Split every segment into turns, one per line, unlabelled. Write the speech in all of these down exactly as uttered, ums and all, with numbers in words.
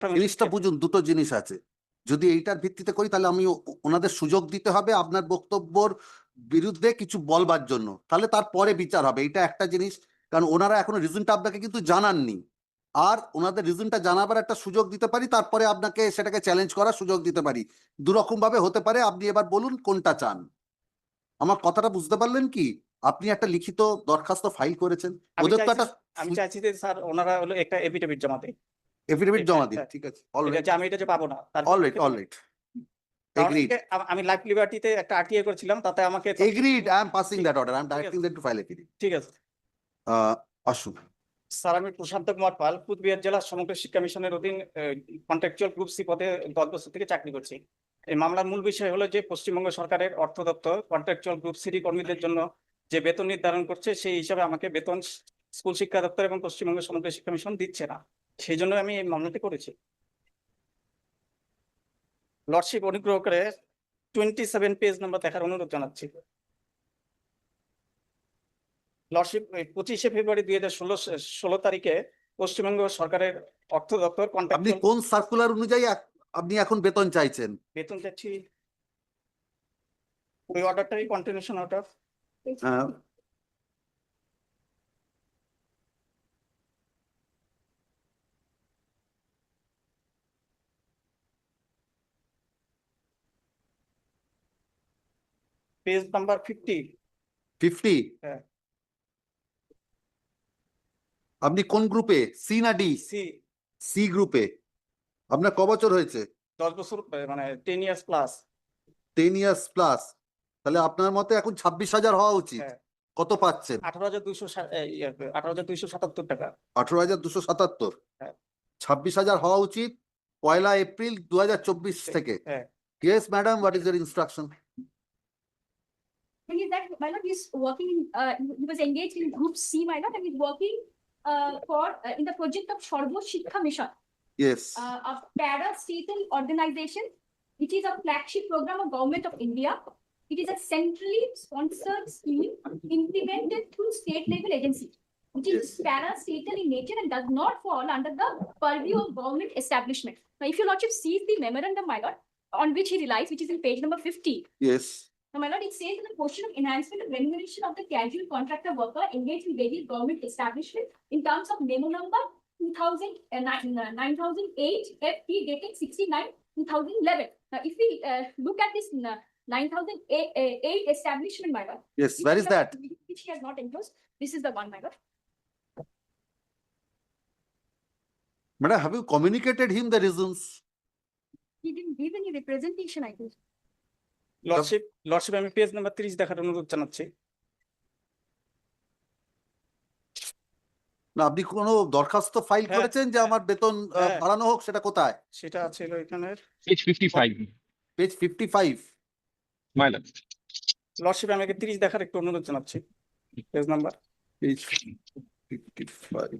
জিনিসটা বুঝুন, দুটো জিনিস আছে। যদি এইটার ভিত্তিতে করি তাহলে আমি ও- ওনাদের সুযোগ দিতে হবে আপনার বক্তব্যর বিরুদ্ধে কিছু বলবার জন্য, তাহলে তারপরে বিচার হবে। এটা একটা জিনিস, কারণ ওনারা এখনো রিজনটা আপনাকে কিন্তু জানাননি। আর ওনাদের রিজনটা জানাবার একটা সুযোগ দিতে পারি, তারপরে আপনাকে সেটাকে চ্যালেঞ্জ করার সুযোগ দিতে পারি। দুরকম ভাবে হতে পারে। আপনি এবার বলুন কোনটা চান। আমার কথাটা বুঝতে পারলেন কি? আপনি একটা লিখিত দরখাস্ত ফাইল করেছেন,
আমি
ওদের তো
চাইছি
একটা
আমি চাইছি যে স্যার ওনারা হলো একটা এফিডেভিট জমা দেয়,
এফিডেভিট জমা দিন।
হ্যাঁ,
ঠিক আছে,
এটা
অলরাইট
যে আমি এটা যে পাবো না তার
অলরাইট অলরাইট
কারণ
এগ্রিড
একে আম- আমি লাইফ লিবার্টিতে একটা আরটিআই করেছিলাম, তাতে আমাকে
agreed I am passing that order, I am
ঠিক
ডাইরেক্টিং
আছে
দেম টু ফাইল এফিডেভিট।
ঠিক আছে
আসুন।
স্যার, আমি প্রশান্ত কুমার পাল, কুচবিহার জেলা সমগ্র শিক্ষা মিশনের অধীন কন্ট্রাকচুয়াল গ্রুপ সি পদে দশ বছর থেকে চাকরি করছি। এই মামলার মূল বিষয় হলো যে পশ্চিমবঙ্গ সরকারের অর্থ দপ্তর কন্ট্রাকচুয়াল গ্রুপ সি কর্মীদের জন্য যে বেতন নির্ধারণ করছে, সেই হিসাবে আমাকে বেতন স্কুল শিক্ষা দপ্তর এবং পশ্চিমবঙ্গ সমগ্র শিক্ষা মিশন দিচ্ছে না। সেই জন্য আমি এই মামলাটি করেছি। লর্ডশিপ অনুগ্রহ করে টোয়েন্টি সেভেন পেজ নাম্বার দেখার অনুরোধ জানাচ্ছি। লর্ডশিপ পঁচিশে ফেব্রুয়ারি দুই হাজার ষোলো ষোলো তারিখে পশ্চিমবঙ্গ সরকারের অর্থ দপ্তর
আপনি
কন্ট্রাকচুয়াল
কোন সার্কুলার অনুযায়ী আপ- আপনি এখন বেতন চাইছেন?
বেতন চাচ্ছি, ওই অর্ডারটাই continuation order.
Ah,
page number fifty.
Fifty.
হ্যাঁ,
আপনি কোন গ্রুপে, সি না ডি?
সি।
সি গ্রুপে। আপনার ক বছর হয়েছে?
দশ বছর আহ, মানে ten years plus.
Ten years plus. তাহলে আপনার মতে এখন ছাব্বিশ হাজার হওয়া উচিত।
হ্যাঁ,
কত পাচ্ছেন?
আঠারো হাজার দুইশো আঠারো হাজার দুইশো সাতাত্তর টাকা।
আঠারো হাজার দুশো সাতাত্তর।
হ্যাঁ
ছাব্বিশ হাজার হওয়া উচিত পয়লা এপ্রিল দু হাজার চব্বিশ থেকে।
হ্যাঁ
yes madam, what is your instruction?
Thing is that my lord is working in, uh, he was engaged in group C, my lord, and he's working uh, for uh, in the project of Sarvo Shikha Mission,
yes.
uh, a para state organization, which is a flagship program of government of India. It is a centrally sponsored scheme implemented through state level agency, which is para state in nature and does not fall under the purview of government establishment. Now, if your lordship sees the memorandum, my lord, on which he relies, which is in page number fifty.
Yes.
Now, my lord, it says in the portion of enhancement of remuneration of the casual contractor worker engaged in various government establishment in terms of memo number two thousand nine thousand eight F P dated sixty-nine two thousand eleven. Now, if we uh, look at this uh, nine thousand eight establishment, my lord.
Yes,
which
where is
the-
that?
Which he has not enclosed. This is the one, my lord.
Madam, have you communicated him the reasons?
He didn't give any representation, I think.
Lordship lordship আমি page number ত্রিশ দেখার অনুরোধ জানাচ্ছি।
না, আপনি কোনো দরখাস্ত file
হ্যাঁ,
করেছেন যে আমার বেতন আহ,
হ্যাঁ।
বাড়ানো হোক? সেটা কোথায়?
সেটা ছিল এখানে
Page fifty-five,
page fifty five.
my lord.
Lordship আমাকে ত্রিশ দেখার একটু অনুরোধ জানাচ্ছি, page number.
Page fifty five.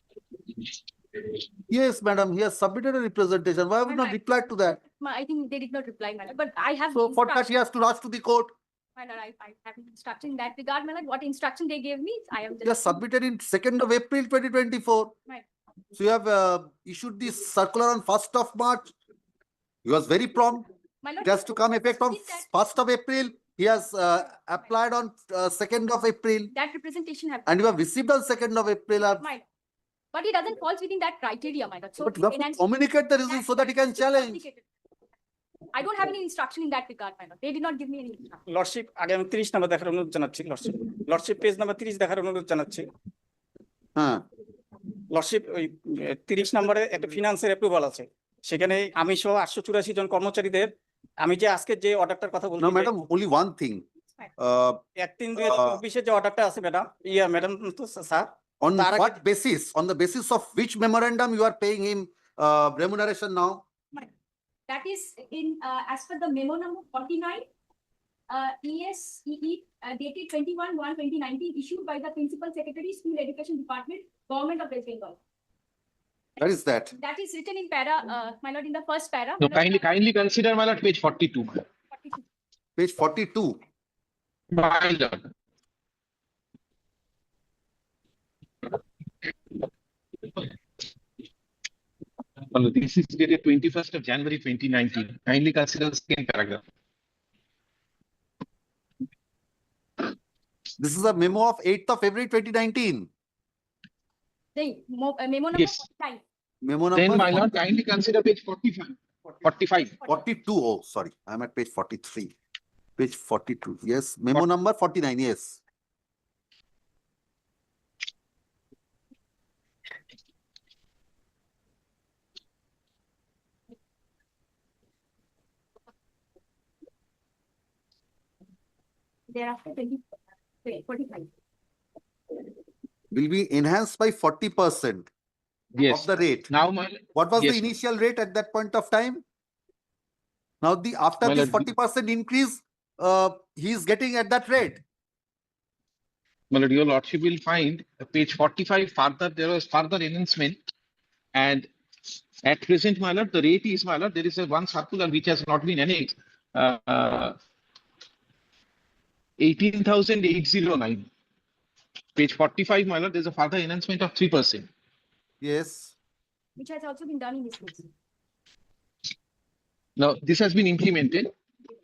Yes, madam, he has submitted a representation. Why have you not
Alright.
replied to that?
Ma- I think they did not reply, my lord, but I have.
So for that,
instruction-
he has to rush to the court.
My lord, I, I have instruction in that regard, my lord. What instruction they gave me, I am
He has
just.
submitted in second of April twenty twenty-four.
Right.
So you have uh, issued this circular on first of March. He was very prompt.
My lord.
It has to come effect on
did that-
first of April. He has uh, applied on uh, second of April,
That representation have.
and you have received on second of April. uh,
My lord. But it doesn't falls within that criteria, my lord. So.
But you have to
enhance-
communicate the reasons so that he can
that's
challenge.
complicated. I don't have any instruction in that regard, my lord. They did not give me any instruction.
Lordship আগে আমি ত্রিশ number দেখার অনুরোধ জানাচ্ছি। Lordship lordship page number ত্রিশ দেখার অনুরোধ জানাচ্ছি।
হ্যাঁ।
লর্ডশিপ ওই তিরিশ নম্বরে একটা ফিনান্সের অ্যাপ্রুভাল আছে, সেখানে আমি সহ আটশো চুরাশি জন কর্মচারীদের আমি যে আজকে যে অর্ডারটার কথা বলছি,
No, madam, only one thing. Uh,
এক তিন দুই হাজার চব্বিশের যে অর্ডারটা আছে ম্যাডাম, ইয়া ম্যাডাম তো স্যার,
on
তার আগে-
what basis? On the basis of which memorandum you are paying him uh, remuneration now?
That is in, uh, as per the memo number forty-nine, uh, E S E E uh, dated twenty-one one twenty nineteen, issued by the Principal Secretary, School Education Department, Government of West Bengal.
What is that?
That is written in para, uh, my lord, in the first para.
No, kindly, kindly consider, my lord, page forty-two.
forty-two.
Page forty-two.
My lord. Well, this is dated twenty-first of January twenty nineteen. Kindly consider the second paragraph.
This is a memo of eighth of February twenty nineteen.
The mo- uh, memo number
Yes.
forty-five.
Memo
Then,
number
my lord, kindly consider page forty-five. Forty-five.
forty-two. Oh, sorry, I'm at page forty-three. Page forty-two. Yes, memo number forty-nine. Yes.
Thereafter twenty, wait, forty-five.
Will be enhanced by forty percent
Yes.
of the rate.
Now, my
What was the
yes,
initial rate at that point of time? Now the, after
Well,
this
uh,
forty percent increase, uh, he is getting at that rate.
my lord, your lordship will find uh, page forty-five further, there was further enhancement. And at present, my lord, the rate is, my lord, there is a one circular which has not been annexed. Uh, uh, eighteen thousand eight hundred nine. Page forty-five, my lord, there's a further enhancement of three percent.
Yes.
Which has also been done in this case.
Now, this has been implemented.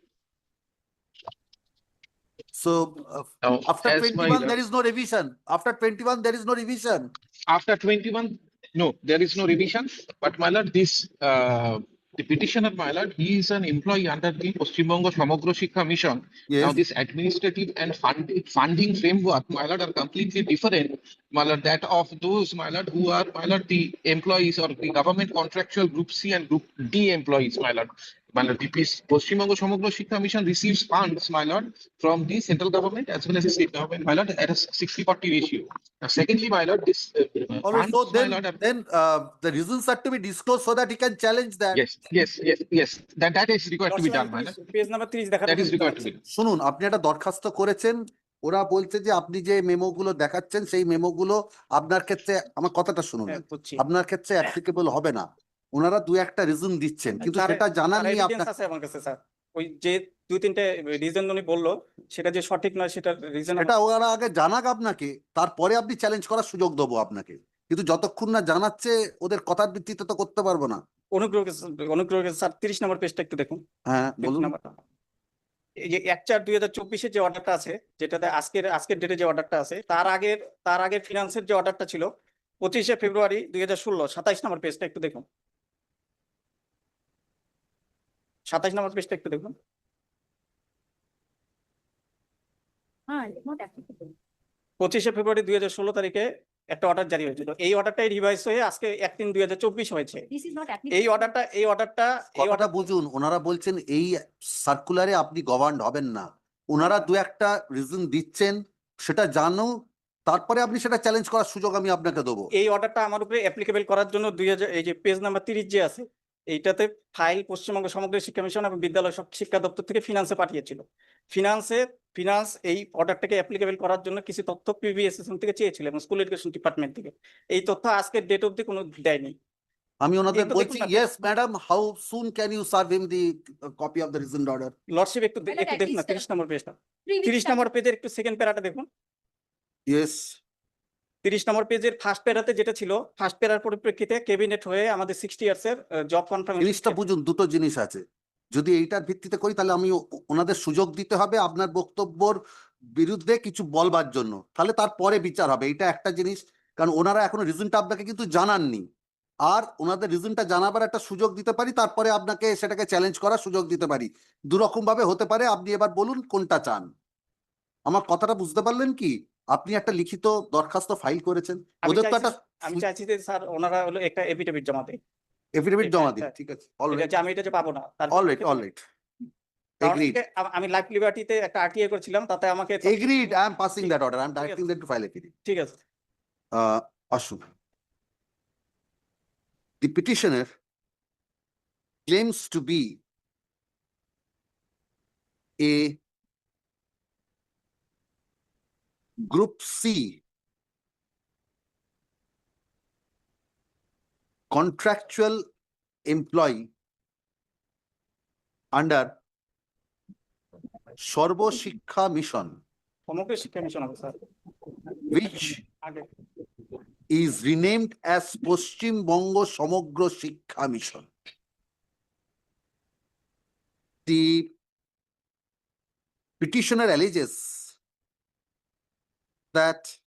So uh,
Now,
after
as my
twenty-one,
lord-
there is no revision. After twenty-one, there is no revision.
After twenty-one, no, there is no revision, but my lord, this, uh, the petitioner, my lord, he is an employee under the Paschim Banga Samagra Shiksha Mission. Now,
Yes.
this administrative and fund, funding framework, my lord, are completely different, my lord, that of those, my lord, who are, my lord, the employees or the government contractual group C and group D employees, my lord. My lord, the Paschim Banga Samagra Shiksha Mission receives funds, my lord, from the central government as well as the state government, my lord, at a sixty forty ratio. Now, secondly, my lord, this uh, uh,
All right, so
funds, my
then,
lord, are
then uh, the reasons are to be disclosed so that he can challenge that.
Yes, yes, yes, yes. That that is required to be done, my lord.
Page number ত্রিশ দেখাতে
That is
বলতে
required to
চাচ্ছি।
be done.
শুনুন, আপনি একটা দরখাস্ত করেছেন, ওরা বলছে যে আপনি যে মেমো গুলো দেখাচ্ছেন সেই মেমো গুলো আপনার ক্ষেত্রে, আমার কথাটা শুনুন,
হ্যাঁ, বুঝছি।
আপনার ক্ষেত্রে অ্যাপ্লিকেবল হবে না। ওনারা দু একটা রিজন দিচ্ছেন, কিন্তু
তার-
সেটা
তার
জানাননি
evidence
আপনার।
আছে আমার কাছে স্যার। ওই যে দুই তিনটে রিজন উনি বললো সেটা যে সঠিক নয় সেটা রিজন
এটা ওরা আগে জানাক আপনাকে, তারপরে আপনি চ্যালেঞ্জ করার সুযোগ দেবো আপনাকে। কিন্তু যতক্ষণ না জানাচ্ছে, ওদের কথার ভিত্তিতে তো করতে পারবো না।
অনুগ্রহ করে অনুগ্রহ করে স্যার তিরিশ নম্বর পেজটা একটু দেখুন।
হ্যাঁ বলুন।
নাম্বারটা এই যে এক চার দুই হাজার চব্বিশের যে অর্ডারটা আছে, যেটাতে আজকের আজকের ডেটে যে অর্ডারটা আছে, তার আগের তার আগের ফিনান্সের যে অর্ডারটা ছিল পঁচিশে ফেব্রুয়ারি দুই হাজার ষোলো সাতাইশ নম্বর পেজটা একটু দেখুন। সাতাইশ নম্বর পেজটা একটু দেখুন।
হ্যাঁ, it's not applicable.
পঁচিশে ফেব্রুয়ারি দুই হাজার ষোলো তারিখে একটা অর্ডার জারি হয়েছিল। এই অর্ডারটাই রিভাইজ হয়ে আজকে এক তিন দুই হাজার চব্বিশ হয়েছে।
This is not
এই
applicable.
অর্ডারটা এই অর্ডারটা এই
কথাটা
অর্ডার
বুঝুন, ওনারা বলছেন এই সার্কুলারে আপনি গভর্নড হবেন না। ওনারা দু একটা রিজন দিচ্ছেন, সেটা জানো, তারপরে আপনি সেটা চ্যালেঞ্জ করার সুযোগ আমি আপনাকে দেবো।
এই অর্ডারটা আমার উপরে অ্যাপ্লিকেবল করার জন্য দুই হাজার এই যে পেজ নাম্বার তিরিশ যে আছে এইটাতে ফাইল পশ্চিমবঙ্গ সমগ্র শিক্ষা মিশন এবং বিদ্যালয় সব শিক্ষা দপ্তর থেকে ফিনান্সে পাঠিয়েছিল। ফিনান্সে ফিনান্স এই অর্ডারটাকে অ্যাপ্লিকেবল করার জন্য কিছু তথ্য পিবিএসএসএম থেকে চেয়েছিল এবং স্কুল এডুকেশন ডিপার্টমেন্ট থেকে। এই তথ্য আজকের ডেট অবধি কোনো দেয়নি।
আমি ওনাদের
একটু দেখুন
বলছি,
না।
Yes madam, how soon can you serve him the copy of the reasoned order?
Lordship একটু দে-
Madam,
একটু
at
দেখুন না
least,
তিরিশ নম্বর পেজটা।
Three weeks
তিরিশ
time.
নম্বর পেজের একটু সেকেন্ড প্যারাটা দেখুন।
ইয়েস।
তিরিশ নম্বর পেজের ফার্স্ট প্যারাতে যেটা ছিল, ফার্স্ট প্যারার পরিপ্রেক্ষিতে ক্যাবিনেট হয়ে আমাদের সিক্সটি ইয়ার্স এর জব কনফার্মেশন
জিনিসটা বুঝুন, দুটো জিনিস আছে। যদি এইটার ভিত্তিতে করি তাহলে আমি ও- ওনাদের সুযোগ দিতে হবে আপনার বক্তব্যর বিরুদ্ধে কিছু বলবার জন্য, তাহলে তারপরে বিচার হবে। এটা একটা জিনিস, কারণ ওনারা এখনো রিজনটা আপনাকে কিন্তু জানাননি। আর ওনাদের রিজনটা জানাবার একটা সুযোগ দিতে পারি, তারপরে আপনাকে সেটাকে চ্যালেঞ্জ করার সুযোগ দিতে পারি। দুরকম ভাবে হতে পারে। আপনি এবার বলুন কোনটা চান। আমার কথাটা বুঝতে পারলেন কি? আপনি একটা লিখিত দরখাস্ত ফাইল করেছেন,
আমি
ওদের তো
চাইছি
একটা
আমি চাইছি যে স্যার ওনারা হলো একটা এফিডেভিট জমা দেয়।
এফিডেভিট
এটা
জমা দিন।
একটা-
ঠিক আছে,
এটা
অলরাইট
যে আমি এটা যে পাবো না তার
অলরাইট অলরাইট
কারণ
এগ্রিড
হচ্ছে আম- আমি লাইফ লিবার্টিতে একটা আরটিআই করেছিলাম, তাতে আমাকে
agreed I am passing that order, I am
ঠিক আছে।
Directing that to file affidavit.
ঠিক আছে।
Uh, Ashu. The petitioner claims to be a Group C contractual employee under Sarva Shiksha Mission,
সমগ্র Shiksha mission হবে sir
which
আগে
is renamed as Paschim Bongo Samagro Shiksha Mission. The petitioner alleges that